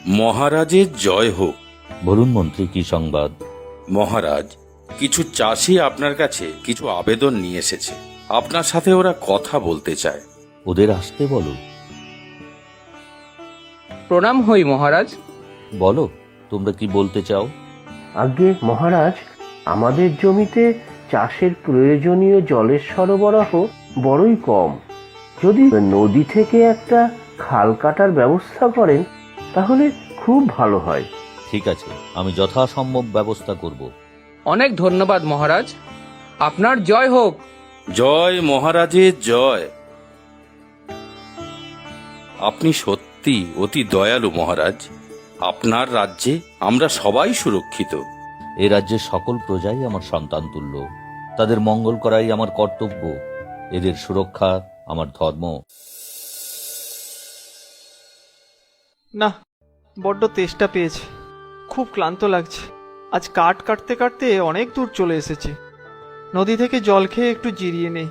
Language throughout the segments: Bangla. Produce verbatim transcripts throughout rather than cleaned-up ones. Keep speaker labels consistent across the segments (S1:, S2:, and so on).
S1: মহারাজের জয় হোক।
S2: বলুন মন্ত্রী, কি সংবাদ?
S1: মহারাজ, কিছু চাষি আপনার কাছে কিছু আবেদন নিয়ে এসেছে। আপনার সাথে ওরা কথা বলতে চায়।
S2: ওদের আসতে বলো।
S3: প্রণাম হই মহারাজ।
S2: বলো, তোমরা কি বলতে চাও?
S4: আজ্ঞে মহারাজ, আমাদের জমিতে চাষের প্রয়োজনীয় জলের সরবরাহ বড়ই কম। যদি নদী থেকে একটা খাল কাটার ব্যবস্থা করেন তাহলে খুব ভালো হয়।
S2: ঠিক আছে, আমি যথাসম্ভব ব্যবস্থা করব।
S3: অনেক ধন্যবাদ মহারাজ, আপনার জয় হোক।
S1: জয় মহারাজের জয়। আপনি সত্যি অতি দয়ালু মহারাজ। আপনার রাজ্যে আমরা সবাই সুরক্ষিত।
S2: এ রাজ্যের সকল প্রজাই আমার সন্তান তুল্য। তাদের মঙ্গল করাই আমার কর্তব্য। এদের সুরক্ষা আমার ধর্ম।
S5: না, বড্ড তেষ্টা পেয়েছে, খুব ক্লান্ত লাগছে। আজ কাঠ কাটতে কাটতে অনেক দূর চলে এসেছি। নদী থেকে জল খেয়ে একটু জিরিয়ে নেই।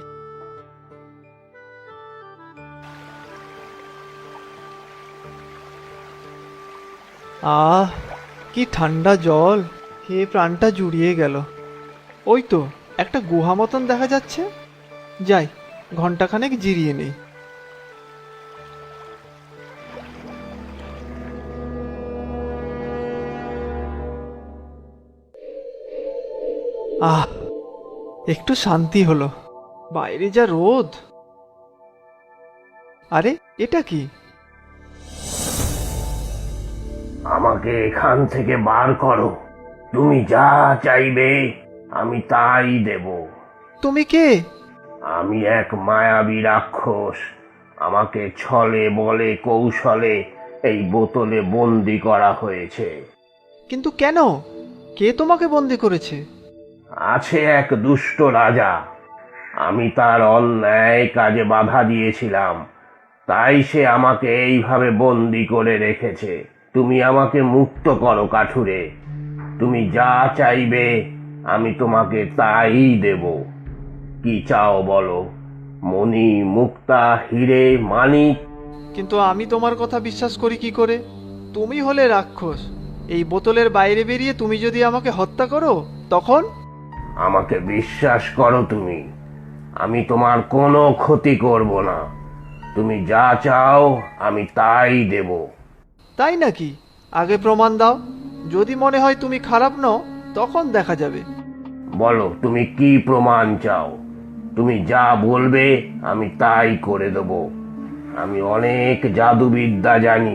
S5: আহ, কি ঠান্ডা জল, খেয়ে প্রাণটা জুড়িয়ে গেল। ওই তো একটা গুহা মতন দেখা যাচ্ছে, যাই ঘন্টাখানেক জিরিয়ে নেই। আহ, একটু শান্তি হলো। বাইরে যা রোদ। আরে এটা কি?
S4: আমাকে এখান থেকে বার করো। তুমি যা চাইবে আমি তাই দেব।
S5: তুমি কে?
S4: আমি এক মায়াবী রাক্ষস। আমাকে ছলে বলে কৌশলে এই বোতলে বন্দি করা হয়েছে।
S5: কিন্তু কেন? কে তোমাকে বন্দি করেছে?
S4: আছে এক দুষ্ট রাজা। আমি তার অন্যায় কাজে বাধা দিয়েছিলাম, তাই সে আমাকে এইভাবে বন্দি করে রেখেছে। তুমি আমাকে মুক্ত করো কাঠুরে। তুমি যা চাইবে আমি তোমাকে তাই দেব। কি চাও বলো? মণি, মুক্তা, হিরে, মানিক?
S5: কিন্তু আমি তোমার কথা বিশ্বাস করি কি করে? তুমি হলে রাক্ষস। এই বোতলের বাইরে বেরিয়ে তুমি যদি আমাকে হত্যা করো তখন?
S4: আমাকে বিশ্বাস করো তুমি, আমি তোমার কোনো ক্ষতি করব না। তুমি যা চাও আমি তাই দেব।
S5: তাই নাকি? আগে প্রমাণ দাও। যদি মনে হয় তুমি খারাপ নও তখন দেখা যাবে।
S4: বলো তুমি কি প্রমাণ চাও? তুমি যা বলবে আমি তাই করে দেব। আমি অনেক জাদুবিদ্যা জানি।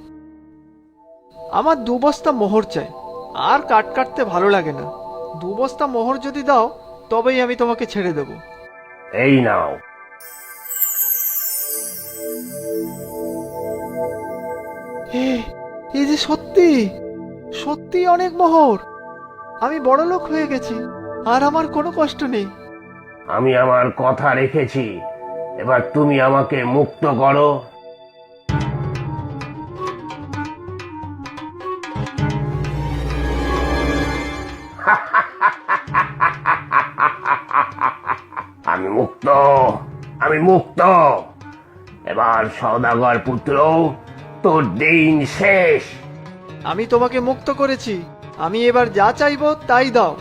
S5: আমার দু বস্তা মোহর চাই। আর কাট কাটতে ভালো লাগে না। দু বস্তা মোহর যদি দাও তবেই আমি তোমাকে ছেড়ে দেব।
S4: এই নাও।
S5: এ, এই যে সত্যি সত্যি অনেক মোহর। আমি বড়লোক হয়ে গেছি, আর আমার কোনো কষ্ট নেই।
S4: আমি আমার কথা রেখেছি। এবার তুমি আমাকে মুক্ত করো। আমি মুক্ত, আমি মুক্ত। এবার সওদাগর পুত্র, তোর দিন শেষ।
S5: আমি তোমাকে মুক্ত করেছি। আমি এবার যা চাইবো তাই দাও।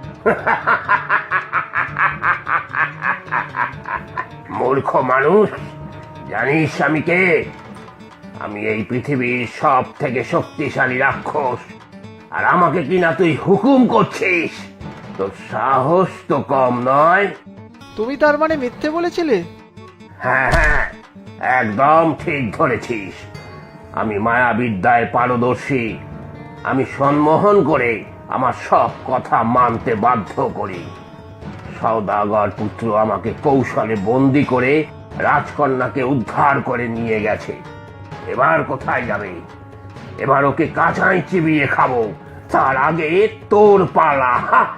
S4: মূর্খ মানুষ, জানিস আমি কে? আমি এই পৃথিবীর সব থেকে শক্তিশালী রাক্ষস। আর আমাকে কিনা তুই হুকুম করছিস? তোর সাহস তো কম নয়।
S5: তুমি তার মানে মিথ্যে বলেছিলে?
S4: হ্যাঁ হ্যাঁ, একদম ঠিক ধরেছিস। আমি মায়াবিদ্যায় পারদর্শী। আমি সম্মোহন করে আমার সব কথা মানতে বাধ্য করি। সওদাগর পুত্র আমাকে কৌশলে বন্দি করে রাজকন্যাকে উদ্ধার করে নিয়ে গেছে। এবার কোথায় যাবে? এবার ওকে কাঁচাই চিবিয়ে খাবো। তার আগে তোর পালা।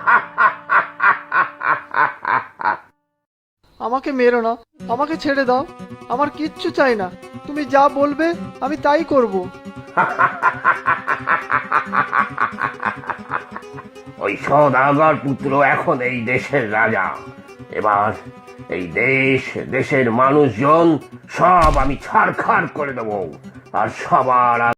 S5: আমাকে মেরো না, আমাকে ছেড়ে দাও। আমার কিচ্ছু চাই না। তুমি যা বলবে আমি তাই করব।
S4: ওই সওদাগর পুত্র এখন এই দেশের রাজা। এবার এই দেশ, দেশের মানুষজন সব আমি ছাড়খাড় করে দেব। আর সবার